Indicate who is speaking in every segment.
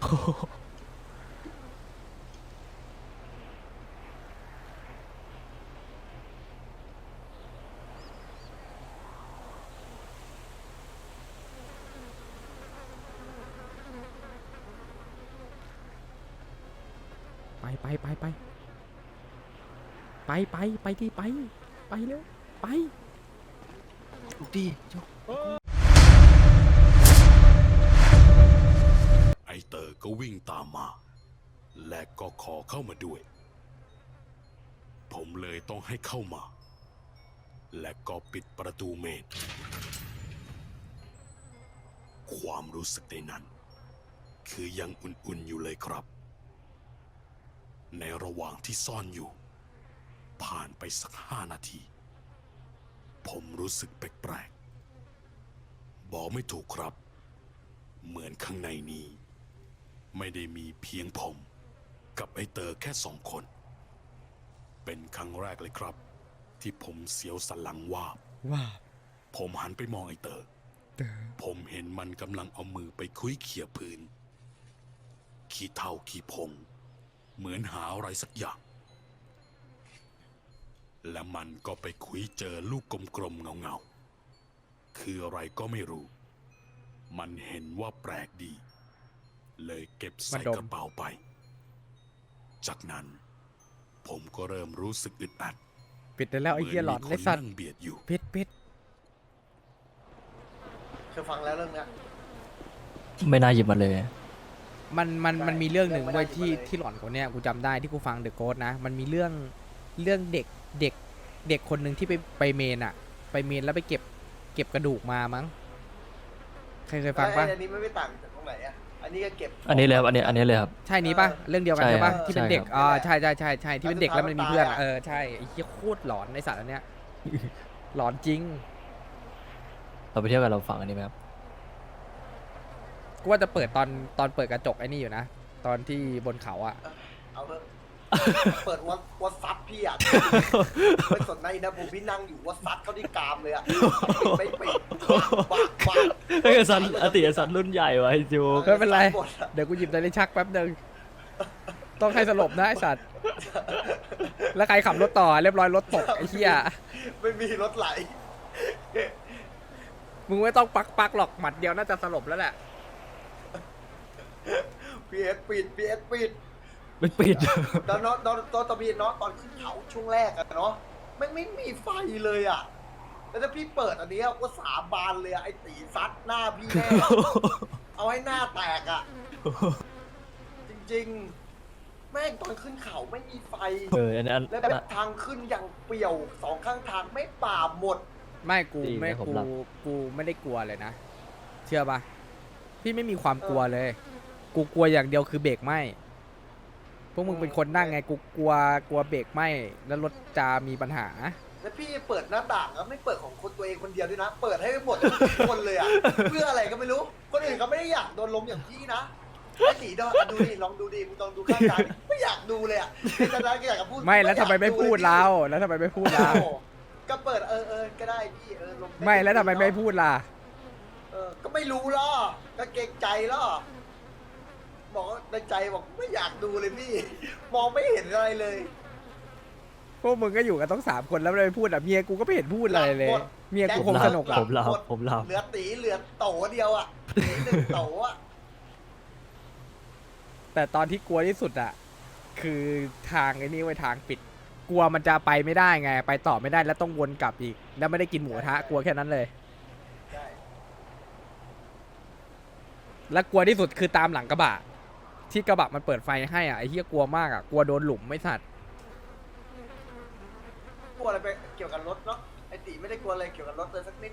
Speaker 1: ไปที่ไปเร็วไป
Speaker 2: ดี
Speaker 3: ไอเตอร์ก็วิ่งตามมาและก็ขอเข้ามาด้วยผมเลยต้องให้เข้ามาและก็ปิดประตูเมนความรู้สึกในนั้นคือยังอุ่นๆอยู่เลยครับในระหว่างที่ซ่อนอยู่ผ่านไปสัก5 นาทีผมรู้สึกแปลกๆบอกไม่ถูกครับเหมือนข้างในนี้ไม่ได้มีเพียงผมกับไอเตอร์แค่2 คนเป็นครั้งแรกเลยครับที่ผมเสียวสันหลังวาบผมหันไปมองไอเตอร์ผมเห็นมันกำลังเอามือไปคุ้ยเขี่ยพื้นขี้เถ้าขี้ผงเหมือนหาอะไรสักอย่างและมันก็ไปคุยเจอลูกกลมๆเงาๆคืออะไรก็ไม่รู้มันเห็นว่าแปลกดีเลยเก็บใส่กระเป๋าไปจากนั้นผมก็เริ่มรู้สึกอึดอัด
Speaker 1: ปิดได้แล้วไอ้เหี้ยหลอนไอ้สัตว์
Speaker 3: เบียดอยู่
Speaker 1: ปิด
Speaker 2: เคยฟังแล้วเรื่องเนี้ย
Speaker 4: ไม่น่าหยิบมาเลย
Speaker 1: มันมีเรื่องหนึ่งด้วยที่หลอนกว่าเนี้ยกูจำได้ที่กูฟังเดอะโกสนะมันมีเรื่องเด็กคนหนึ่งที่ไปเมนอะไปเมนแล้วไปเก็บกระดูกมามั้งใครเคยฟังปะ
Speaker 2: อันนี้ไม่ต่างจากตรงไหนอ่ะอันนี้ก็เก็บ
Speaker 4: อันนี้เลยครับอันนี้เลยครับ
Speaker 1: ใช่นี้ปะเรื่องเดียวกันใช่ปะที่เป็นเด็กใช่ที่เป็นเด็กแล้วมันมีเพื่อนใช่ไอ้เหี้ยโคตรหลอนในสัตว์อันเนี้ยหลอนจริง
Speaker 4: เราไปเที่ยวกันเราฟังอันนี้ไหมครับ
Speaker 1: กูว่าจะเปิดตอนเปิดกระจกไอ้นี่อยู่นะตอนที่บนเขาอะ
Speaker 2: เอาเถอะเปิดวัดซัดพี่อ่ะไม่สนในนะผมพี่นั่งอยู่วัดซัดเขาที่กามเลยอ่ะไม่ปิดบ้า
Speaker 4: ไอ้สันอติสันรุ่นใหญ่วะไอ้จู
Speaker 1: ไม่เป็นไรเดี๋ยวกูหยิบนาฬิกาชักแป๊บนึงต้องให้สลบนะไอ้สัตว์แล้วใครขับรถต่อเรียบร้อยรถตกไอ้เหี้ย
Speaker 2: ไม่มีรถไหล
Speaker 1: มึงไม่ต้องปักหรอกหมัดเดียวน่าจะสลบแล้วแหละ
Speaker 2: พีเอสปิด
Speaker 4: ไม่ปิด
Speaker 2: แล้วเนาะตอนพี่เนาะตอนขึ้นเขาช่วงแรกอะเนาะไม่มีไฟเลยอะแล้วถ้าพี่เปิดอันนี้ก็สาบานเลยไอ้ตีซัดหน้าพี่แน่เอาให้หน้าแตกอะจริงๆแม่งตอนขึ้นเขาไม่มีไฟ
Speaker 4: อัน
Speaker 2: แล้วแบบทางขึ้นอย่างเปี่ยว2 ข้างทางไม่ป่าหมด
Speaker 1: ไม่กูไม่ได้กลัวเลยนะเชื่อปะพี่ไม่มีความกลัวเลยกูกลัวอย่างเดียวคือเบรกไหมพวกมึงเป็นคนนั่งไงกูกลัวเบรกไหมแล้วรถจะมีปัญหา
Speaker 2: แล้วพี่เปิดหน้าต่างแล้วไม่เปิดของคนตัวเองคนเดียวด้วยนะเปิดให้หมดทุกคนเลยอ่ะเพื่ออะไรก็ไม่รู้คนอื่นเขาไม่ได้อยากโดนลมอย่างพี่นะไอ้ตีดูดิลองดูดิมึงลองดูข้างกายไม่อยากดูเลยอ่ะจะได้ก็อยากจะพูด
Speaker 1: ไม่แล้วทำไมไม่พูดเรา
Speaker 2: ก็เปิดก็ได้พี่ลม
Speaker 1: ไม่แล้วทำไมไม่พูดล่ะ
Speaker 2: ก็ไม่รู้ล่ะก็เกรงใจล่ะบอกในใจบอกไม่อยากดูเลยพี่มองไม่เห็นอะไรเลย
Speaker 1: พวกมึงก็อยู่กันต้อง3 คนแล้วไม่พูดอ่ะเมียกูก็ไม่เห็นพูดอะไรเลยเมียกูคงสนุก
Speaker 4: ผมหลับ
Speaker 2: เหลือตีเหลือโตเดียวอ่ะ1 โตอ่ะ
Speaker 1: แต่ตอนที่กลัวที่สุดอ่ะคือทางไอ้นี่ไว้ทางปิดกลัวมันจะไปไม่ได้ไงไปต่อไม่ได้แล้วต้องวนกลับอีกแล้วไม่ได้กินหมูกระทะกลัวแค่นั้นเลยและกลัวที่สุดคือตามหลังกระบะที่กระบะมันเปิดไฟให้อ่ะไอ้เหี้ยกลัวมากอ่ะกลัวโดนหลุมไม่สัตว์
Speaker 2: กลัวอะไรไปเกี่ยวกับรถเนาะไอ้ตีไม่ได้กลัวอะไรเกี่ยวกับรถเลยสักนิด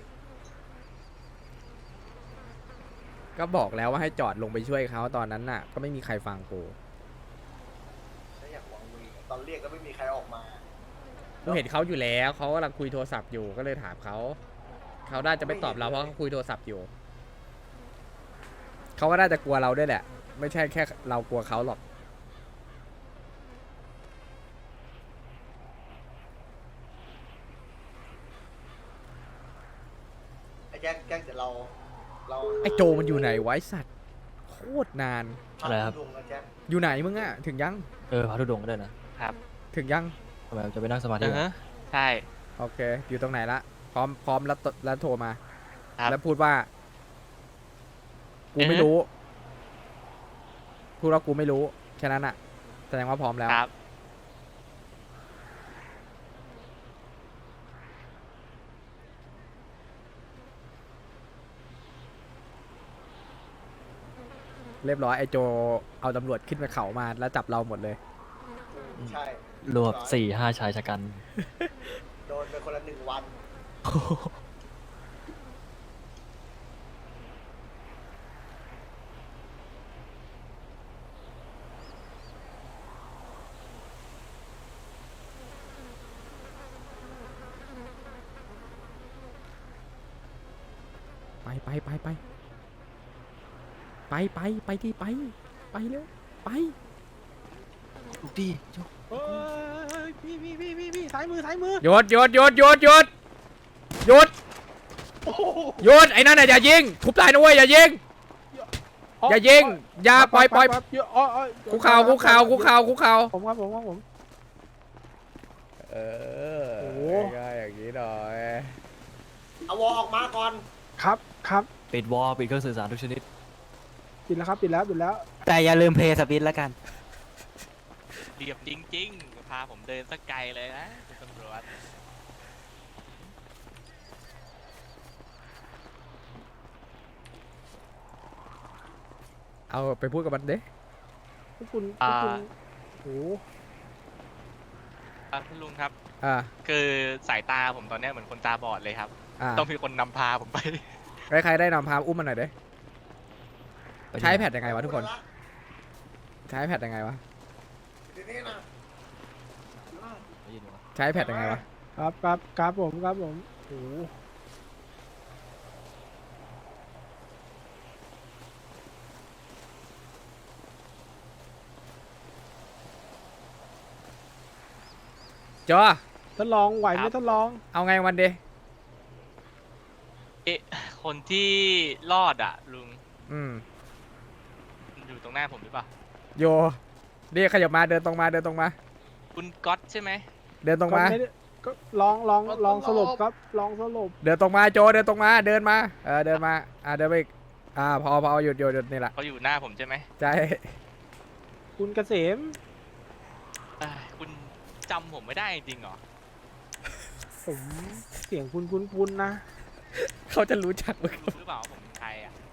Speaker 1: ก็บอกแล้วว่าให้จอดลงไปช่วยเขาตอนนั้นน่ะก็ไม่มีใครฟังกู
Speaker 2: แล้วอยากหวังมือตอนเรียกก็ไม่มีใครออกมา
Speaker 1: กูเห็นเขาอยู่แล้วเขากำลังคุยโทรศัพท์อยู่ก็เลยถามเขาน่าจะไม่ตอบเราเพราะเขาคุยโทรศัพท์อยู่เขาก็น่าจะกลัวเราด้วยแหละไม่ใช่แค่เรากลัวเขาหรอก
Speaker 2: ไอ้แก๊งเดี๋ยวเรา
Speaker 1: ไอ้โจมันอยู่ไหนวะไอ้สัตว์โคตรนาน
Speaker 4: อะไรครับ
Speaker 2: พาทุดงนะแจ็ค
Speaker 1: อยู่ไหนมึงอะถึงยัง
Speaker 4: พระธุดงค์ก็ได้นะครับ
Speaker 1: ถึงยัง
Speaker 4: ทำไมจะไปนั่งสมาธิ
Speaker 5: อือ
Speaker 4: เหรอ
Speaker 5: ฮะใช่
Speaker 1: โอเค อยู่ตรงไหนละพร้อมแล้วโทรมา
Speaker 5: ครับ
Speaker 1: แล้วพูดว่า กูไม่รู้ พูดว่ากูไม่รู้ แค่นั้นอะแสดงว่าพร้อมแล้ว
Speaker 5: ครับ
Speaker 1: เรียบร้อยไอโจเอาตำรวจขึ้นไปเขามาแล้วจับเราหมดเลย
Speaker 2: ใช่
Speaker 4: รวบ4-5 ชายชะกัน
Speaker 2: โดนไปคนละ1 วัน
Speaker 1: ไปไปไปไปไปไปไปดิไปไปเร็วไป
Speaker 4: ดี
Speaker 6: พี่ซ้ายมือซ้ายมือ
Speaker 1: หยุดหยุดหยุดหยุดหยุดหยุดหยุดไอ้นั่นน่ะอย่ายิงทุบตายนะเว้ยอย่ายิงอย่ายิงอย่าปล่อยคุกเข่าคุกเข่าคุกเข่าคุกเข่า
Speaker 6: ผมครับผมครับผม
Speaker 1: เออ
Speaker 6: โอ้โห
Speaker 1: ง่ายๆอย่างนี้หน่อย
Speaker 2: เอาวอออกมาก่อน
Speaker 6: ครับครับ
Speaker 4: ปิดวอลปิดเครื่องสื่อสารทุกชนิด
Speaker 6: ปิดแล้วครับปิดแล้วปิดแล้ว
Speaker 7: แต่อย่าลืมเพลย์สปินแล้วกัน
Speaker 5: เรียบจริงๆ พาผมเดินสักไกลเลยนะคุณตำรวจ
Speaker 1: เอาไปพูดกับมันเด้
Speaker 6: พวกคุณโอ้
Speaker 5: คุณลุงครับ
Speaker 1: อ่า
Speaker 5: คือสายตาผมตอนเนี้ยเหมือนคนตาบอดเลยครับ
Speaker 1: อ่า
Speaker 5: ต้องมีคนนำพาผมไป
Speaker 1: ใครได้นำพาอุ้มมันหน่อยเด้ใช้แพดยังไงวะทุกคนใช้แพดยังไงวะ
Speaker 2: ทีนี้นะ
Speaker 4: ได้ยินวะ
Speaker 1: ใช้แพดยังไงวะ
Speaker 6: ครับครับครับผมครับผมโอ้
Speaker 1: จอ
Speaker 6: ทดลองไหวไหม
Speaker 5: ครับ
Speaker 6: ทดลอง
Speaker 1: เอาไงวันเด
Speaker 5: เอ๊ะคนที่รอดอ่ะ ลุง
Speaker 1: อืม
Speaker 5: อยู่ตรงหน้าผมหรือเปล่า
Speaker 1: โยนี่ขยับมาเดินตรงมาเดินตรงมา
Speaker 5: คุณก๊อตใช่ไหม
Speaker 1: เดินตรงมา
Speaker 6: ก็ไได้ก็ลองสรุปครับลองสรุป
Speaker 1: เดินตรงมาโจเดินตรงมาเดินมาเดินมาเดินไปอีกพอหยุดนี่แหละ
Speaker 5: เขาอยู่หน้าผมใช่ไหม
Speaker 1: ใช่
Speaker 6: คุณเกษม
Speaker 5: เอ้ยคุณจำผมไม่ได้จริงเหรอ
Speaker 6: ผมเสียงคุณนะ
Speaker 1: เขาจะรู้จักมึง
Speaker 5: รู้หรือเปล่าว่าผมเป็นใครอ่ะ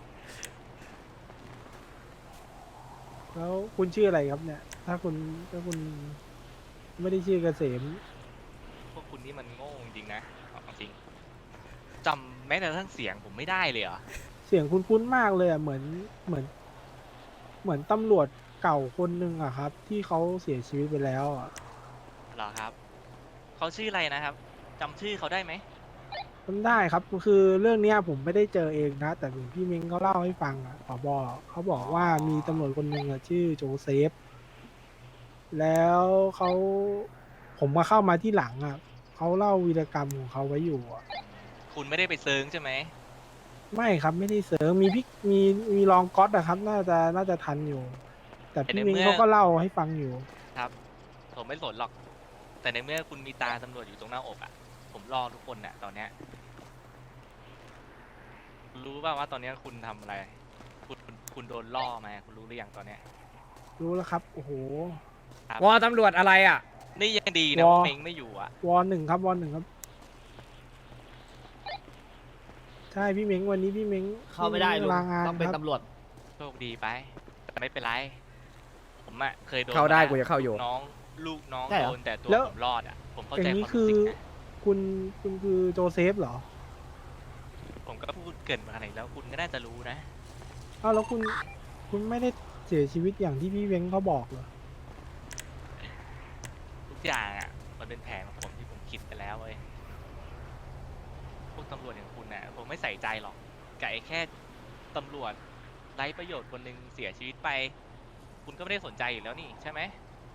Speaker 6: แล้วคุณชื่ออะไรครับเนี่ย ถ้าคุณไม่ได้ชื่อเกษม
Speaker 5: พวกคุณนี่มันโง่จริงๆนะเอาจริงจำแม้แต่ทั้งเสียงผมไม่ได้เลยเหรอ
Speaker 6: เสียงคุ้นๆมากเลยอ่ะเหมือนตำรวจเก่าคนหนึ่งอะครับ ที่เขาเสียชีวิตไปแล้วอะ
Speaker 5: เหรอครับเขาชื่ออะไรนะครับจำชื่อเขาได้ไหม
Speaker 6: จำได้ครับคือเรื่องเนี้ยผมไม่ได้เจอเองนะ แต่เหมือนพี่เม้งเขาเล่าให้ฟังอะผบเขาบอกว่ามีตำรวจคนหนึ่งอะชื่อโจเซฟ แล้วผมมาเข้ามาที่หลังอะเขาเล่าวีรกรรมของเขาไว้อยู่อะ
Speaker 5: คุณไม่ได้ไปเซิร์งใช่ไหม
Speaker 6: ไม่ครับไม่ได้เสริมมีพี่มีรองก๊อตอะครับ น่าจะทันอยู่ แต่พี่เม้งเขาก็เล่าให้ฟังอยู่
Speaker 5: ครับผมไม่สนหรอก แต่ในเมื่อคุณมีตาตำรวจอยู่ตรงหน้าอกอ่ะ ผมรอทุกคนน่ะตอนเนี้ยรู้ป่าวว่าตอนเนี้ยคุณทำอะไร คุณโดนล่อมาคุณรู้หรือยังตอนเนี้ย
Speaker 6: รู้แล้วครับ โอ้โห
Speaker 1: วอตำรวจอะไรอ่ะ
Speaker 5: นี่ยังดีนะ
Speaker 6: วอ
Speaker 5: ว่าเมงไม่อยู่อ่ะ
Speaker 6: วหนึ่งครับวหนึ่งครับ ใช่พี่เม้งวันนี้พี่เม้ง
Speaker 7: เข้าไม่ได้ลุง
Speaker 6: ลางาน
Speaker 7: ต้องเป็น
Speaker 6: ครับ
Speaker 7: ตำรวจ
Speaker 5: โชคดีไป แต่ไม่เป็นไร ผมอ่ะเคยโดน
Speaker 1: เข้าได้
Speaker 5: มแล้ว
Speaker 1: กูจะเข้าอยู่
Speaker 5: ลูกน้อง
Speaker 7: ใช่เหรอ
Speaker 5: โดนแต่ตัว
Speaker 6: แล้ว
Speaker 5: ผมรอดอ่ะ ผมเข้า
Speaker 6: อ
Speaker 5: ใจ
Speaker 6: ย่าง
Speaker 5: ค
Speaker 6: นี้
Speaker 5: วาม
Speaker 6: คื
Speaker 5: รู้
Speaker 6: อ
Speaker 5: สึกนะ
Speaker 6: คุณคือโจเซฟเหรอ
Speaker 5: ผมก็พูดเกรินมาขนาดนี้แล้วคุณก็น่าจะรู้นะ
Speaker 6: อ้าวแล้วคุณไม่ได้เสียชีวิตอย่างที่พี่เม้งเขาบอกเหรอ
Speaker 5: ทุกอย่างอ่ะ มันเป็นแผนของผมที่ผมคิดไปแล้วเว้ย พวกตำรวจอย่างคุณน่ะผมไม่ใส่ใจหรอกกับไอ้แค่ตำรวจไร้ประโยชน์คนหนึ่งเสียชีวิตไป คุณก็ไม่ได้สนใจอยู่แล้วนี่ใช่ไหม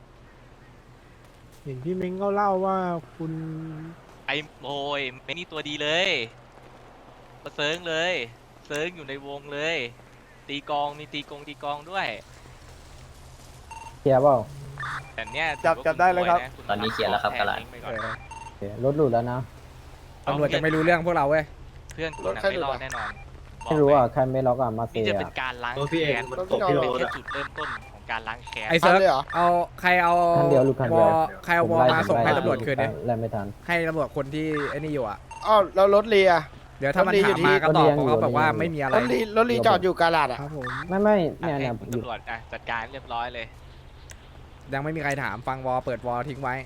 Speaker 6: เห็นพี่เม้งเขาเล่าว่าคุณ
Speaker 5: ไอ้โอยไม่นี่ตัวดีเลยมาเซิร์งเลยเซิร์งอยู่ในวงเลยตีกองมีตีกองด้วย
Speaker 8: เคลียร์เปล่า
Speaker 5: แต่เนี้ย
Speaker 9: จับได้เลยครับ
Speaker 5: ตอนนี้เคลียร์แล้วครับกระหลัง
Speaker 1: เออ
Speaker 8: โอเครถหลุดแล้วนะ
Speaker 1: ตำรวจจะไม่รู้เรื่องพวกเราเว้ย
Speaker 5: เพื่อนคุณ
Speaker 2: รถ
Speaker 5: น่ะ
Speaker 2: ใคร
Speaker 5: ไม่รอด
Speaker 2: หลุดอะ
Speaker 5: แน่นอนบก
Speaker 8: ไม่รู้
Speaker 5: เลย
Speaker 8: อ่ะใครไม่ล็อกอ่ะมาเซี
Speaker 5: นี่
Speaker 8: ย
Speaker 5: จะเป็นการล้าง
Speaker 9: รถพี่เอง
Speaker 5: แค้น
Speaker 9: มัน
Speaker 2: ตกที่
Speaker 5: เป็น
Speaker 2: รถ
Speaker 5: แค่
Speaker 2: อะ
Speaker 5: จุดเริ่มต้นของการล้างแค้น
Speaker 1: ไอ้เซิร์ฟ
Speaker 2: เอาเลยเหรอ
Speaker 1: เอาใครเอา
Speaker 8: คันเดียวลูกคันเดียว
Speaker 1: ใครเอาวอมาส่งให้ตำรวจคืนดิ
Speaker 8: ไล่ไม่ทัน
Speaker 1: ให้ตำรวจคนที่ไอ้นี่อยู่อ่ะ
Speaker 9: อ้าวแล้วรถเลีย
Speaker 1: เดี๋ยวถ้ามัน
Speaker 9: รถดีอ
Speaker 1: ถา
Speaker 9: ยู่
Speaker 1: ม
Speaker 9: ที่
Speaker 1: มาก็ตอบ
Speaker 8: รถดียังอยู่
Speaker 1: เขาบอกว่าไม่มีอะไร
Speaker 9: รถลีจอดอยู่กาลาดอ่ะ
Speaker 6: ครับผม
Speaker 8: ไม่เนี่ย
Speaker 5: ให้
Speaker 8: เนี่ย
Speaker 5: คุณ
Speaker 8: อยู่
Speaker 5: ตำรวจอ่ะจัดการเรียบร้อยเลย
Speaker 1: ยังไม่มีใครถามฟังวอเปิดวอทิ้งไว้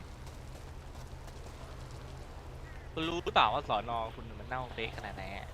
Speaker 5: คุณรู้หรือเปล่าว่าสอนอคุณมันเน่าเฟะขนาดไหนอะ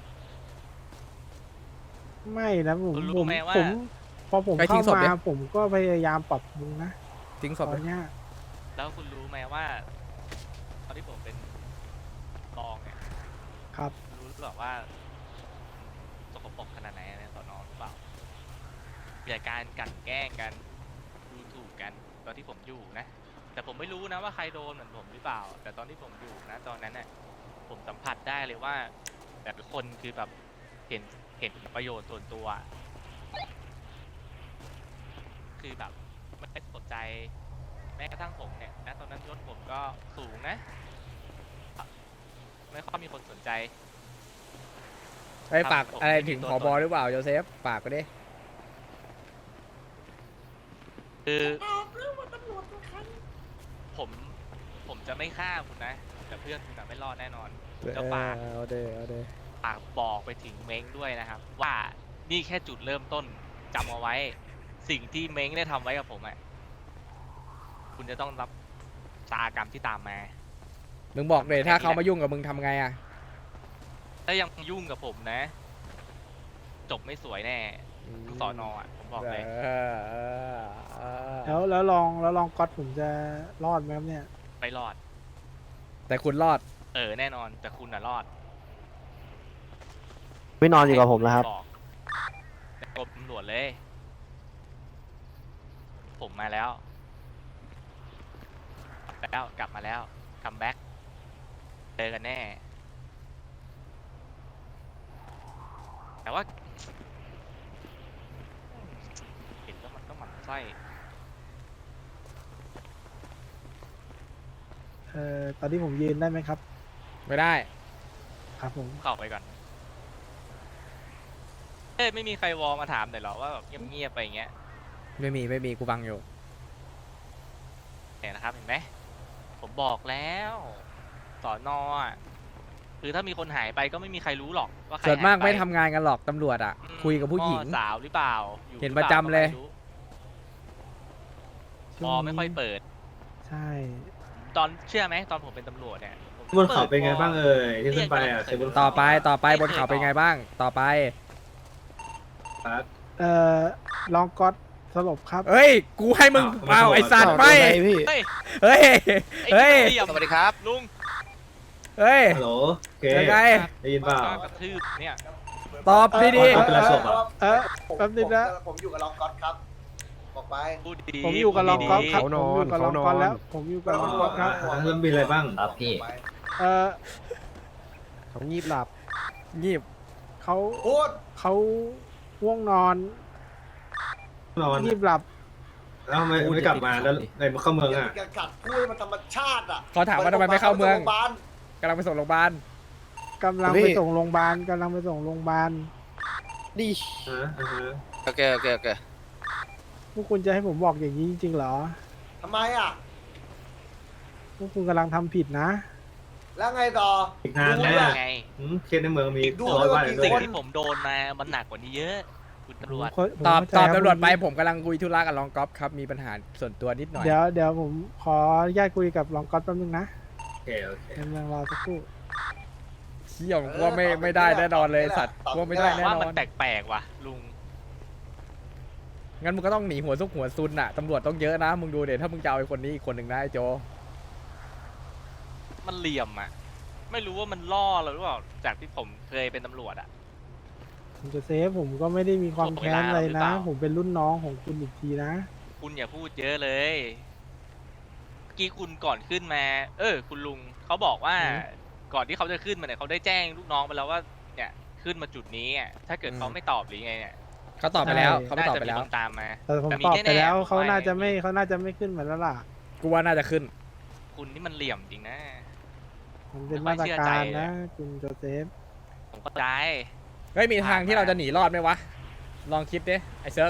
Speaker 6: ไม่นะผม
Speaker 5: คุณรู้
Speaker 6: ผม
Speaker 5: ไหมว่า
Speaker 6: ผมพอผม
Speaker 1: ไปทิ้
Speaker 6: เข้าง
Speaker 1: ศพ
Speaker 6: มา
Speaker 1: ดิ
Speaker 6: ผมก็พยายามปรับปรุงนะ
Speaker 1: ทิ้งศ
Speaker 6: ต
Speaker 1: พ
Speaker 6: อนเนี้ย
Speaker 5: แล้วคุณรู้ไหมว่าตอนที่ผมเป็นรองเนี่ย
Speaker 6: ครับ
Speaker 5: รู้หรือเปล่าว่าสกปรกขนาดไหนในสอนอหรือเปล่ามีแต่การกลั่นแกล้งกันดูถูกกันตอนที่ผมอยู่นะ แต่ผมไม่รู้นะว่าใครโดนเหมือนผมหรือเปล่า แต่ตอนที่ผมอยู่นะตอนนั้นน่ะผมสัมผัสได้เลยว่าแต่ละคนคือแบบเห็นประโยชน์ส่วนตัว คือแบบไม่ได้สนใจแม้กระทั่งผมเนี่ยนะตอนนั้นยศผมก็สูงนะ ไม่ค่อยมีคนสนใจ
Speaker 1: ไอ้ย
Speaker 5: ครับ
Speaker 1: ฝาก
Speaker 5: ผม
Speaker 1: อะไร
Speaker 5: ไม่มี
Speaker 1: ถึง
Speaker 5: ตัว
Speaker 1: ผ
Speaker 5: ต
Speaker 1: บ
Speaker 5: น
Speaker 1: หรือเปล่าโยเซฟฝากก็ดิ
Speaker 5: คือผมจะไม่ฆ่าคุณนะ แต่เพื่อนคุณอะไม่รอดแน่นอนจะฝาก
Speaker 1: เอาเดเอาเด
Speaker 5: ฝากบอกไปถึงเม้งด้วยนะครับ ว่านี่แค่จุดเริ่มต้นจำเอาไว้ สิ่งที่เม้งได้ทำไว้กับผมอ่ะคุณจะต้องรับชะตากรรมที่ตามมา
Speaker 1: มึงบอกเลยถ้าเขามายุ่งกับมึงทำไงอ่ะ
Speaker 5: ถ้ายังยุ่งกับผมนะ จบไม่สวยแน่ทั้งสอนอ่ะผมบอกเลย
Speaker 6: แล้วลองก๊อตผมจะรอดไหมครับเนี่ย
Speaker 5: ไม่รอด
Speaker 1: แต่คุณรอด
Speaker 5: แน่นอนแต่คุณน่ะรอด
Speaker 8: ไม่นอนอยู่กับผมแล้วครับ
Speaker 5: อกแต่กรมตำรวจเลย ผมมาแล้วกลับมาแล้วคัมแบ็กเจอกันแน่ แต่ว่าเห็นแล้วมันก็หมั่นไส้
Speaker 6: ตอนที่ผมยืนได้ไหมครับ
Speaker 1: ไม่ได้
Speaker 6: ครับผม
Speaker 5: เข้าไปก่อนไม่มีใครวอลมาถามหน่อยเหรอว่าแบบเงียบๆไปอย่างเงี้ย
Speaker 1: ไม่มีกูฟังอยู่
Speaker 5: เห็นนะครับเห็นไหมผมบอกแล้วสอนอ่ะคือถ้ามีคนหายไปก็ไม่มีใครรู้หรอกว่าใคร
Speaker 1: ส่วนมาก
Speaker 5: หยป
Speaker 1: ไม่ทำงานกันหรอกตำรวจอ่ะ
Speaker 5: อืม
Speaker 1: คุยกับผู้หญิง
Speaker 5: พ่อสาวหรือเปล่าอยู่
Speaker 1: เห็น
Speaker 5: หอปา
Speaker 1: ประจำเลย
Speaker 5: ก็ไม่รู้วอลไม่ค่อยเปิด
Speaker 6: ใช่
Speaker 5: ตอนเชื่อไหมตอนผมเป็นตำรวจเนี่ยผม
Speaker 9: บนเขาเป็นไงบ้างเอ่ยที่ขึ้นไปอ่ะ
Speaker 5: เรียก
Speaker 9: บน
Speaker 1: ต่
Speaker 9: เขา
Speaker 1: อไปบนเขาเป็นไงบ้าง ต่อไป
Speaker 9: ครับ
Speaker 6: ลองก๊อตสลบครับ
Speaker 1: เฮ้ย กูให้มึง
Speaker 9: อ้าว
Speaker 1: เอาไอสัตว์
Speaker 9: อ้าว
Speaker 1: ไม่
Speaker 9: พี่
Speaker 5: เฮ้ย
Speaker 1: เฮ้ย เฮ้ย
Speaker 5: ไอ้สวัสดีครับลุง
Speaker 1: เฮ้ย
Speaker 9: ฮัลโหลโอเค
Speaker 1: ยังไง
Speaker 9: ได้ยินเปล่า
Speaker 5: กระทืบเนี่ย
Speaker 1: ตอบดี
Speaker 9: เป็นไรศพอะ
Speaker 6: แป๊บนึงนะ
Speaker 2: ผมอยู่กับรองก๊อตครับ บอกไป
Speaker 5: พูดดี
Speaker 6: ผมอยู่กับลองก๊อตครับ
Speaker 1: เขา
Speaker 6: ผม
Speaker 1: นอน
Speaker 6: อยู่กับลองก๊อตแล้ว ผมอยู่กับลองก๊อตครับ
Speaker 9: เริ่มมีอะไรบ้าง
Speaker 2: ครับพี่
Speaker 6: เอ่อ
Speaker 1: เขางีบหลับ งีบ
Speaker 6: เขา
Speaker 2: พูด
Speaker 6: เขาง่วงนอน
Speaker 9: นอน
Speaker 6: งีบหลับ
Speaker 9: แล้วทำไมไม่กลับมาแล้วในเข้าเมืองอ่ะ
Speaker 2: อย่ากัดพูดให้มันธรรมชาติอ่ะ
Speaker 1: เขาถามว่าทำไมไม่เข้าเมือง
Speaker 2: โรงพยาบาล
Speaker 1: กำลังไปส่งโรงพยาบาล
Speaker 6: กำลังไปส่งโรงพยาบาลกำลังไปส่งโรงพยาบาล
Speaker 9: ฮะอ่าฮะ
Speaker 10: โอเค
Speaker 6: พวกคุณจะให้ผมบอกอย่างนี้จริงๆเหรอ
Speaker 2: ทำไมอ่ะ
Speaker 6: พวกคุณกำลังทำผิดนะ
Speaker 2: แล้วไงต่อ
Speaker 9: อีกนาน
Speaker 5: ๆ
Speaker 9: แน่
Speaker 5: ไง
Speaker 9: เคสในเมืองมี
Speaker 2: ดู
Speaker 9: ร้อยวัน
Speaker 2: ด้วย
Speaker 9: ด้ว
Speaker 5: สิ่
Speaker 9: ย
Speaker 5: งที่ผมโดนมามันหนักกว่านี้เยอะ คุณตำรวจ
Speaker 6: ผม
Speaker 1: ตอบ
Speaker 6: เข้าใจ
Speaker 1: ตอบ
Speaker 6: ค
Speaker 1: ตำรวจไป
Speaker 6: คุณ
Speaker 1: ผมกำลังคุยธุระกับรองก๊อฟครับ มีปัญหาส่วนตัวนิดหน่อย
Speaker 6: เดี๋ยวผมขออนุญาตคุยกับรองก๊อตแป๊บนึงนะ
Speaker 9: โอเคโอเค
Speaker 6: กำลังรอสักครู่
Speaker 1: เชี่ยผมว่าไม่ได้แน่นอนเลยสัตว์ว่าไม่ได้แน่
Speaker 5: ว่าน
Speaker 1: อ
Speaker 5: มัน
Speaker 1: น
Speaker 5: แปลกๆว่ะลุง
Speaker 1: งั้นมึงก็ต้องหนีหัวซุกหัวซุนน่ะ ตำรวจต้องเยอะนะ มึงดูเดี๋ยวถ้ามึงจะเอาไอ้คนนี้อีกคนหนึ่งนะไอ้โจ
Speaker 5: มันเหลี่ยมอ่ะ ไม่รู้ว่ามันล่อเราหรือเปล่า จากที่ผมเคยเป็นตำรวจอ่ะ
Speaker 6: ผมจะเซฟผมก็ไม่ได้มีความแค้นอะไร
Speaker 5: หรือเป
Speaker 6: นะ
Speaker 5: ล่า
Speaker 6: ผมเป็นรุ่นน้องของคุณอีกทีนะ
Speaker 5: คุณอย่าพูดเยอะเลย เมื่อกี้คุณก่อนขึ้นมา คุณลุงเขาบอกว่า
Speaker 6: อืม
Speaker 5: ก่อนที่เขาจะขึ้นมาเนี่ยเขาได้แจ้งลูกน้องไปแล้วว่า เนี่ย ขึ้นมาจุดนี้อ่ะถ้าเกิดเขาไม่ตอบหรือไงเนี่ย
Speaker 1: เขาตอบไปแล้ว
Speaker 6: ใช่
Speaker 1: เขาไม่ตอบไปแล้ว
Speaker 5: น่าจะมีคนตามมา
Speaker 6: แต่ผม
Speaker 5: แต่มี
Speaker 6: ตอบ
Speaker 5: แน่ๆ
Speaker 6: ไปแล้ว
Speaker 5: ผม
Speaker 6: เขา
Speaker 5: ว่า
Speaker 6: น่าจะไม่
Speaker 5: อย่างนี้
Speaker 6: เขาน่าจะไม่ขึ้นมาแล้วล่ะ
Speaker 1: กูว่าน่าจะขึ้น
Speaker 5: คุณนี่มันเหลี่ยมจริงนะ
Speaker 6: มันเป็น
Speaker 5: ไม่
Speaker 6: มา
Speaker 5: ค่อย
Speaker 6: ตร
Speaker 5: เชื่อ
Speaker 6: การ
Speaker 5: ใจเลย
Speaker 6: นะคุณโจเซฟ
Speaker 5: ผมเข้าใจ
Speaker 1: เฮ้ยมีทางที่เราจะหนีรอดไหมวะ ลองคิดดิไอ้เซิร์ฟ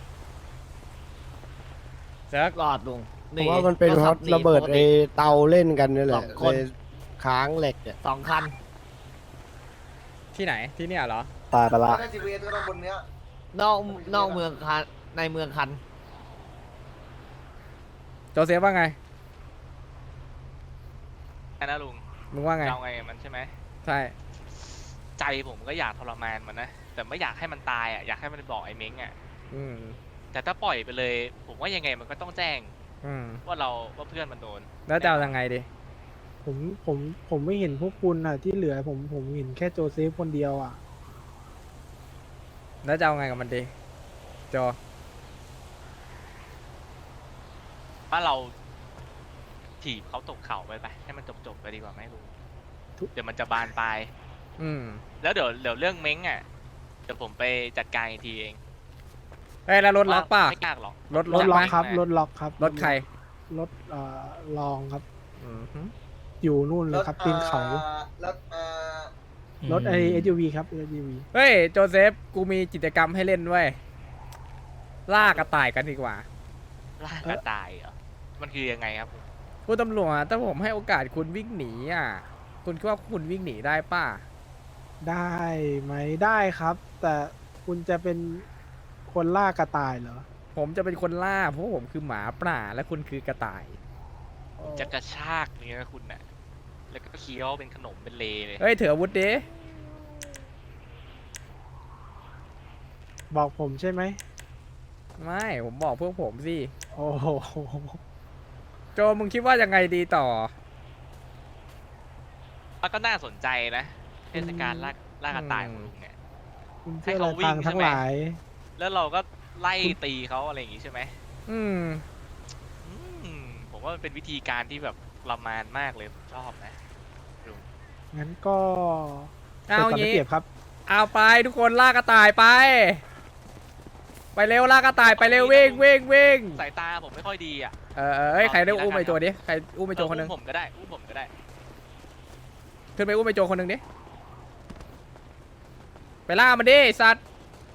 Speaker 1: เซิร์ฟ
Speaker 7: รอดลุง
Speaker 8: ผมว่ามันเป็นเพราะระเบิดไอ้เตาเล่นกันนี่แหละเลยค้างเหล็กเนี่ย
Speaker 7: สองคัน
Speaker 1: ที่ไหนที่เนี่ยเหรอ
Speaker 8: ตายไปละ
Speaker 2: ถ้า GPS ก็ต้องบนเนี้ย
Speaker 7: นอกเมืองคันในเมืองคัน
Speaker 1: โจเซฟว่าไง
Speaker 5: นะลุง
Speaker 1: มึงว่าไง
Speaker 5: เราไงมันใช่ไหม
Speaker 1: ใช่
Speaker 5: ใจผมก็อยากทรมานมันนะ แต่ไม่อยากให้มันตายอ่ะ อยากให้มันบอกไอ้เม้งอ่ะ
Speaker 1: อืม
Speaker 5: แต่ถ้าปล่อยไปเลย ผมว่ายังไงมันก็ต้องแจ้ง
Speaker 1: อืม
Speaker 5: ว่าเพื่อนมันโดน
Speaker 1: แล้วจะเอายังไงดิ
Speaker 6: ผมไม่เห็นพวกคุณอ่ะที่เหลือผมเห็นแค่โจเซฟคนเดียวอ่ะ
Speaker 1: แล้วจะเอาไงกับมันดิโจ
Speaker 5: ว่าเราถีบเขาตกเข่าไปให้มันจบไปดีกว่าไหมลุง
Speaker 6: ทุก
Speaker 5: เดี๋ยวมันจะบานปลาย
Speaker 1: อืม
Speaker 5: แล้วเดี๋ยวเรื่องเม้งอ่ะ เดี๋ยวผมไปจัดการอีกทีเอง
Speaker 1: เฮ้ยแล้วรถล็อกป่ะ
Speaker 5: ไม่ยากหรอก
Speaker 1: รถ
Speaker 6: รถล็อก
Speaker 1: ไหม
Speaker 6: ครับรถล็อกครับ
Speaker 1: รถใคร
Speaker 6: รถลองครับ
Speaker 1: อืมฮึ
Speaker 6: อยู่นู่นเลยครับตีนเขา
Speaker 2: แล้ว
Speaker 6: รถไอ SUV ครับ SUV
Speaker 1: เฮ้ยโจเซฟกูมีกิจกรรมให้เล่นด้วยล่ากระต่ายกันดีกว่า
Speaker 5: ล่ากระต่ายเหรอ มันคือยังไงครับ
Speaker 1: คุณตำรวจถ้าผมให้โอกาสคุณวิ่งหนีอ่ะ คุณคิดว่าคุณวิ่งหนีได้ป่ะ
Speaker 6: ได้ไหมได้ครับ แต่คุณจะเป็นคนล่ากระต่ายเหรอ
Speaker 1: ผมจะเป็นคนล่าเพราะผมคือหมาป่าและคุณคือกระต่าย
Speaker 5: จะกระชากเนื้อคุณน่ะ แล้วก็เคี้ยวเป็นขนมเป็นเลเลย
Speaker 1: เฮ้ยถืออาวุธดิ
Speaker 6: บอกผมใช่ไหม
Speaker 1: ไม่ผมบอกพวกผมสิ
Speaker 6: โอ้โห
Speaker 1: โจมึงคิดว่ายังไงดีต่อ
Speaker 5: แล้วก็น่าสนใจนะเทศกาลล่ากระต่ายของลุงเนี่ย
Speaker 6: คุณ
Speaker 5: ให้
Speaker 6: เพื่อ
Speaker 5: เขาวิ่
Speaker 6: ทาง ง
Speaker 5: ใช่
Speaker 6: ทั้ง
Speaker 5: ไหม
Speaker 6: หลาย
Speaker 5: แล้วเราก็ไล่ตีเขาอะไรอย่างงี้ใช่ไหม
Speaker 1: อืม
Speaker 5: ผมว่ามันเป็นวิธีการที่แบบประมาณมากเลยผมชอบนะลุง
Speaker 6: งั้นก็
Speaker 1: เอา
Speaker 6: ปิดก่น
Speaker 1: งี้
Speaker 6: ได้เปรียบครับ
Speaker 1: เอาไปทุกคนล่ากระต่ายไป ไปเร็วล่ากระต่ายไปเร็ววิ่งวิ่งวิ่ง
Speaker 5: สายตาผมไม่ค่อยดีอ่ะ
Speaker 1: เอ้ยใครได้อุ้มไอโจดิใครอุ้มไอโจคนหนึง
Speaker 5: อุ้มผมก็ได้อุ้มผมก็ได้
Speaker 1: ขึ้นไปอุ้มไอโจคนหนึงดิไปล่ามันดิไอ้สัตว์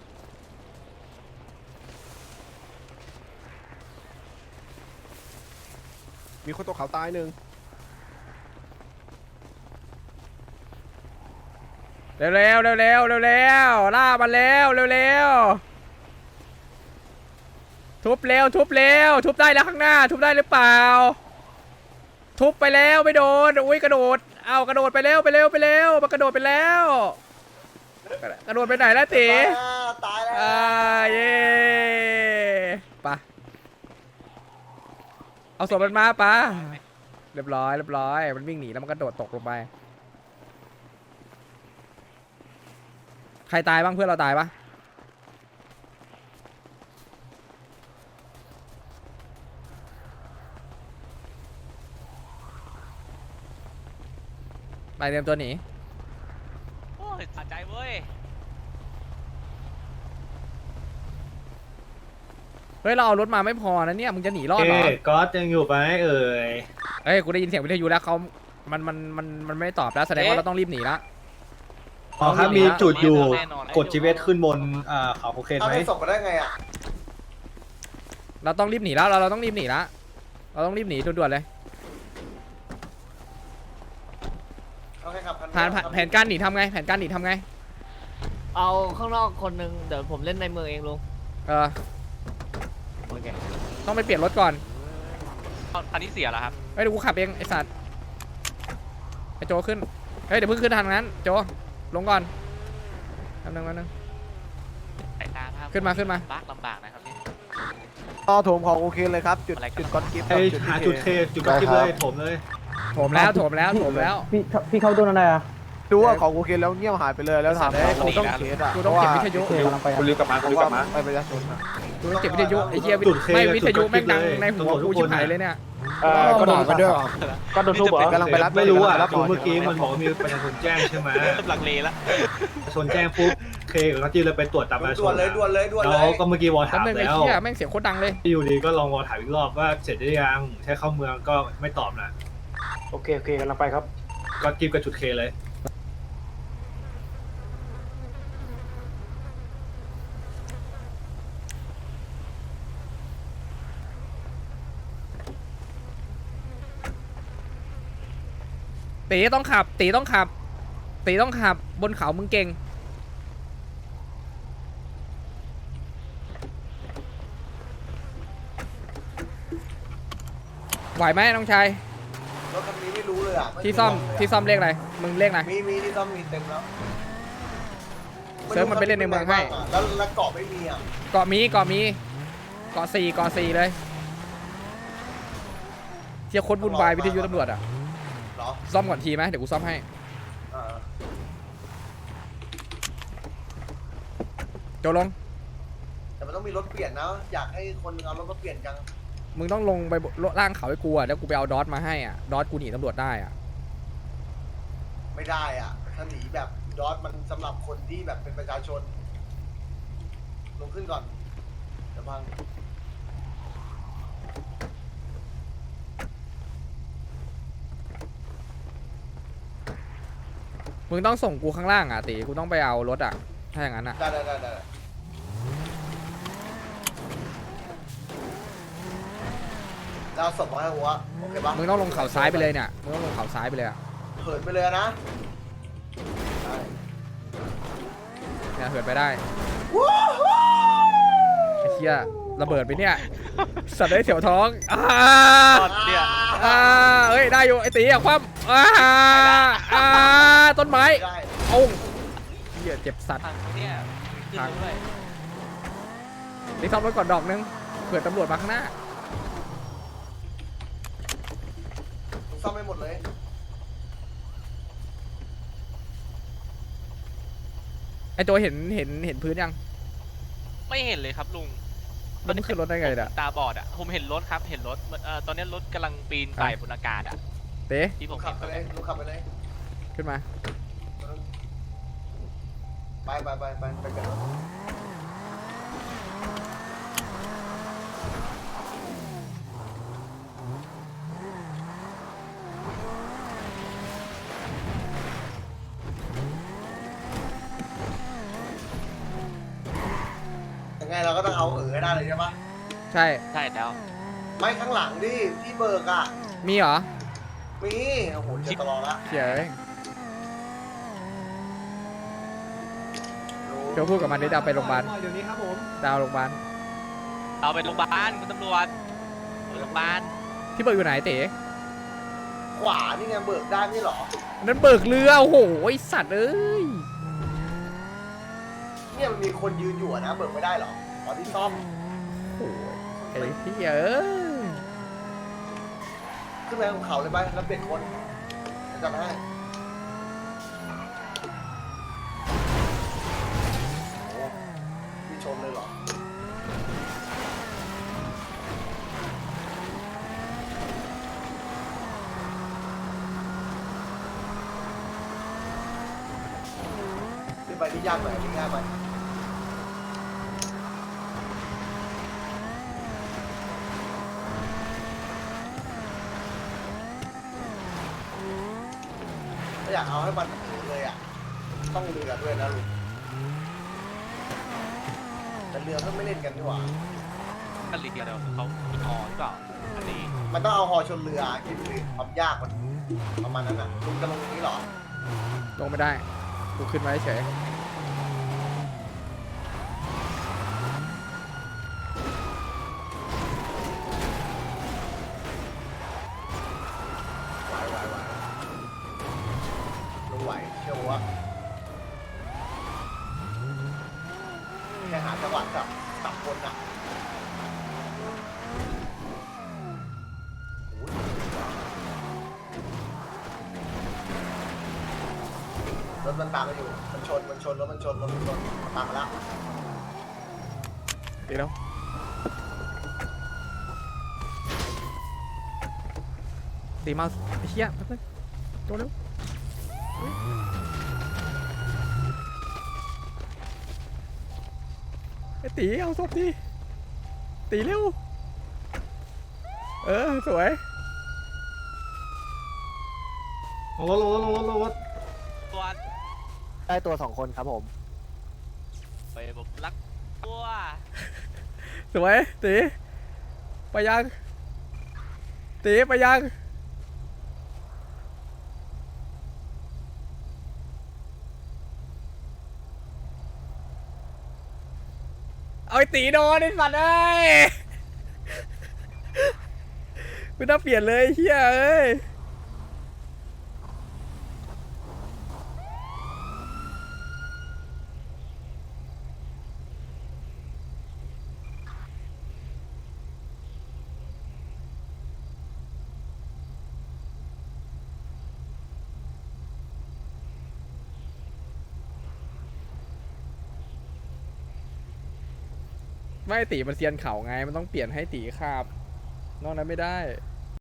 Speaker 1: มีคนตกเขาตายหนึ่งเร็วเร็วเร็วเร็วเร็วเร็วล่ามันเร็วเร็วเร็วทุบเร็วทุบเร็วทุบได้แล้วข้างหน้าทุบได้หรือเปล่าทุบไปแล้วไม่โดนอุ้ยกระโดดเอากระโดดไปเร็วไปเร็วไปเร็วมันกระโดดไปแล้วกระโดดไปไหนแล้วตี
Speaker 2: ตายแล้ว
Speaker 1: เย่ปะเอาศพมันมาปะเรียบร้อยเรียบร้อยมันวิ่งหนีแล้วมันกระโดดตกลงไปใครตายบ้างเพื่อนเราตายปะไปเตรียมตัวหนี
Speaker 5: โอ้ยสะใจเว้ย
Speaker 1: เฮ้ยเราเอารถมาไม่พอนะเนี่ยมึงจะหนีรอดเหรอ
Speaker 9: ก๊อตยังอยู่ไหมเอ่ย
Speaker 1: เฮ้ยกูได้ยินเสียงวิทยุแล้วเขามันไม่ตอบแล้วแสดงว่าเราต้องรีบหนีละ
Speaker 9: อ๋อครับมีจุดอยู่
Speaker 5: แน่นอน
Speaker 9: กดชีวิตขึ้นบนเขาโอเค
Speaker 2: เอา
Speaker 9: ไหม
Speaker 2: ไปส่งมาได้ไงอ่ะ
Speaker 1: เราต้องรีบหนีแล้วเราต้องรีบหนีละเราต้องรีบหนีด่วนๆเลย
Speaker 2: เอาแค่ขับคัน
Speaker 1: แผนการหนีทำไงแผนการหนีทำไง
Speaker 7: เอาข้างนอกคนหนึงเดี๋ยวผมเล่นในเมืองเองลุงโอเค
Speaker 1: ต้องไปเปลี่ยนรถก่อน
Speaker 5: คันนี้เสียแล้วครับ
Speaker 1: เฮ้ยเดี๋ยวกูขับเองไอสัตว์ไอโจขึ้นเฮ้ยเดี๋ยวเพิ่งขึ้นทางนั้นโจลงก่อนแป๊บนึง
Speaker 5: สายตาภาพ
Speaker 1: ขึ้นมาขึ้นมา
Speaker 5: ลำบากนะครับนี่
Speaker 8: ต่อโถมของโอเคเลยครับจุด
Speaker 5: อะไรกัน
Speaker 8: จุดก้อนกิฟต์
Speaker 9: ไอหาจุดเทจุดก๊อตกิ๊บเลยผมเลย
Speaker 1: โถมแล้วโถมแล้วโถมแล้ว
Speaker 8: พี่เข้าดูนั่นไงอะดูว่าของโอเคแล้วเงียบหายไปเลยแล้วถามว่ากูต้องเคสอะ
Speaker 1: กูต้องเก็บวิทยุ
Speaker 8: คุณรีบกลับมาคุณรีบกลับมาไปประชาชน
Speaker 1: กูต้องเก็บวิทยุไอ้เหี้ย
Speaker 9: จุดเค
Speaker 1: ไม่
Speaker 9: กับ
Speaker 1: วิทยุ
Speaker 9: จุด
Speaker 1: แม่งดัง
Speaker 9: เลย
Speaker 1: ในหัว
Speaker 9: ตำรวจทุ
Speaker 1: กู
Speaker 9: ก
Speaker 1: ชิบ
Speaker 9: คน
Speaker 1: หายเลยเนี่ย
Speaker 8: ก็โดนไปด้วยก็โดนทุบเหรอกำลังไปรับ
Speaker 9: ไม่รู้อ่ะ
Speaker 8: รับ
Speaker 9: คือเมื่อกี้มันบอกว่ามีประชาชนแจ้งใช่ไหม
Speaker 5: หลังเลละ
Speaker 9: ประชาชนแจ้งปุ๊บเคเคกับเขาจี้เลยไปตรวจตามประชาช
Speaker 2: ด่วน
Speaker 9: น
Speaker 2: เลยด่วนเลยด่วนเล
Speaker 9: แล้ว
Speaker 2: ย
Speaker 9: ก็เมื่อกี้วอล
Speaker 1: แป๊บ
Speaker 9: ถาม
Speaker 1: นึงไอ้
Speaker 9: แล้ว
Speaker 1: เหี้ยแม่งเสียงโคตรดังเลย
Speaker 9: อยู่ดีก็ลองวอลถามอีกรอบว่าเสร็จได้ยังใช้เข้าเมืองก็ไม่ตอบนะ
Speaker 6: โอเคกำลังไปครับ
Speaker 9: ก็จิ้มกับจุดเคเลย
Speaker 1: ตีต้องขับ ตีต้องขับ ตีต้องขับ บนเขามึงเก่ง ไหวไหมน้องชาย
Speaker 2: รถคันนี้ไม่รู้เลยอ่ะ
Speaker 1: ที่ซ่อมที่ซ่อมเลขอะไร มึงเลขอะไร
Speaker 2: มีที่ซ่อมมีเต็มแล้ว
Speaker 1: เซิร์ฟมันไปเล่นในเมืองให้
Speaker 2: แล้วเกาะไม่มีอ่ะ
Speaker 1: เกาะมีเกาะมีเกาะสี่เลยเที่ยวโคตรวุ่นวายวิทยุตำรวจอ่ะ
Speaker 2: เหรอ
Speaker 1: ซ่อมก่อนทีไหมเดี๋ยวกูซ่อมให้
Speaker 2: อ่า
Speaker 1: โจลง
Speaker 2: แต่มันต้องมีรถเปลี่ยนนะ อยากให้คนเอารถมาเปลี่ยนจัง
Speaker 1: มึงต้องลงไปล่างเขาให้กูอ่ะแล้วกูไปเอาดอทมาให้อ่ะ ดอทกูหนีตำรวจได้อ่ะ
Speaker 2: ไม่ได้อ่ะ ถ้าหนีแบบดอทมันสำหรับคนที่แบบเป็นประชาชน ลงขึ้นก่อนเดี๋ยวพัง
Speaker 1: มึงต้องส่งกูข้างล่างอ่ะตีกูต้องไปเอารถอ่ะ ถ้าอย่างนั้นอ่ะ
Speaker 2: ได้แล้วส่งมาให้หัวโอเคปะ
Speaker 1: มึงต้องลงเขาซ้ายไปเลยเนี่ย มึงต้องลงเขาซ้ายไปเลยอ่ะ
Speaker 2: เหินไปเลยนะได้
Speaker 1: เนี่ยเหินไปได้ไอ้เหี้ยระเบิดไปเนี่ย สัตว์ได้เสียวท้อง
Speaker 5: เนี่ย
Speaker 1: เฮ้ยได้อยู่ไอ้ตีอ่ะคว่ำต้นไม้
Speaker 2: ได้
Speaker 1: โอ้งเหี้ยเจ็บสัตว์
Speaker 5: ทางเนี่ยขึ้นด้วย
Speaker 1: ตีซ่อมรถก่อนดอกนึงเผื่อตำรวจมาข้างหน้า
Speaker 2: ผมซ่อมไม่หมดเลย
Speaker 1: ไอ้ตัวเห็นพื้นยัง
Speaker 5: ไม่เห็นเลยครับลุง
Speaker 1: แล้วมันขึ้นรถได้ไงเนี่ย
Speaker 5: ตาบอดอ่ะผมเห็นรถครับเห็นรถตอนนี้รถกำลังปีนไต่บนอากาศอ่ะ
Speaker 1: เต้
Speaker 5: ที่ผ
Speaker 2: ลุ
Speaker 5: ม
Speaker 2: งขั
Speaker 5: เห็
Speaker 2: บ
Speaker 5: น
Speaker 2: ไปเลยลุงขับไปเลย
Speaker 1: ขึ้นมา
Speaker 2: ไปกัน ยังไงเราก็ต้องเอาให้ได้เลยใช่ปะ
Speaker 1: ใช่
Speaker 5: ใช่แล้ว
Speaker 2: ไม่ข้างหลังดิที่เบิกอ่ะ
Speaker 1: มีเหรอ
Speaker 2: มีโอ้โหเจอตลอดละ
Speaker 1: เขียเดี๋ยวพูดกับมันได้ดาวไปโรงพยาบาล
Speaker 9: เดี๋ยวนี้ครับผม
Speaker 1: ดาวโรงพยาบาล
Speaker 5: เอาไปโรงพยาบาลคุณตำรวจไปโรงพยาบาล
Speaker 1: ที่เบิกอยู่ไหนเต๋
Speaker 2: ขวานี่ไงเบิกได้ไม่หรอ
Speaker 1: อันนั้นเบิกเรือโอ้โหไอสัตว์เอ้ย
Speaker 2: เนี่ยมันมีคนยืนอยู่อะนะเบิกไม่ได้หรอตอนที่ซ่อม
Speaker 1: โอ้ยไอ้เหี้ยเอ้ย
Speaker 2: ขึ้นไปบนเขาเลยไปแล้วเปลี่ยนคนจะมาให้โอ้พี่ชนเลยเหรอขึ้นไปที่ยากหน่อยที่ง่ายไปถ้าอยากเอาให้มันถึงเลยอ่ะ ต้องเรือด้วยนะลุงแต่เรือก็ไม่เล่นกันดีกว่า
Speaker 5: กันลีเดียวเขามีฮอหรือเปล่าอันนี้
Speaker 2: มันต้องเอาฮอชนเรือคิดดูดิความยากมันประมาณนั้นอ่ะลุงจะลงตรงนี้เหรอ
Speaker 1: ลงไม่ได้กูขึ้นมาเฉย
Speaker 2: ลุงไหวเชื่อว่าแค่หาจังหวะกับคนอ่ะโอ้ยรถมันตามมาอยู่ มันชนรถมันชนตามมาแล้ว
Speaker 1: ตีแล้วตีเมาส์ไอ้เหี้ยแป๊บนึงตัวเร็วตีเอาศพดิตีเร็วสวย
Speaker 9: ลงรถลงรถ
Speaker 5: ตัว
Speaker 8: ได้ตัว2 คนครับผม
Speaker 5: ไปผมรักตัว
Speaker 1: สวยตีไปยังตีไปยังเอาไอ้ตีโดนไอ้สัตว์เอ้ยไม่ต้องเปลี่ยนเลยเฮียเอ้ยไม่ตีมันเซียนเข่าไงมันต้องเปลี่ยนให้ตีขาบนอกนั้นไม่ได้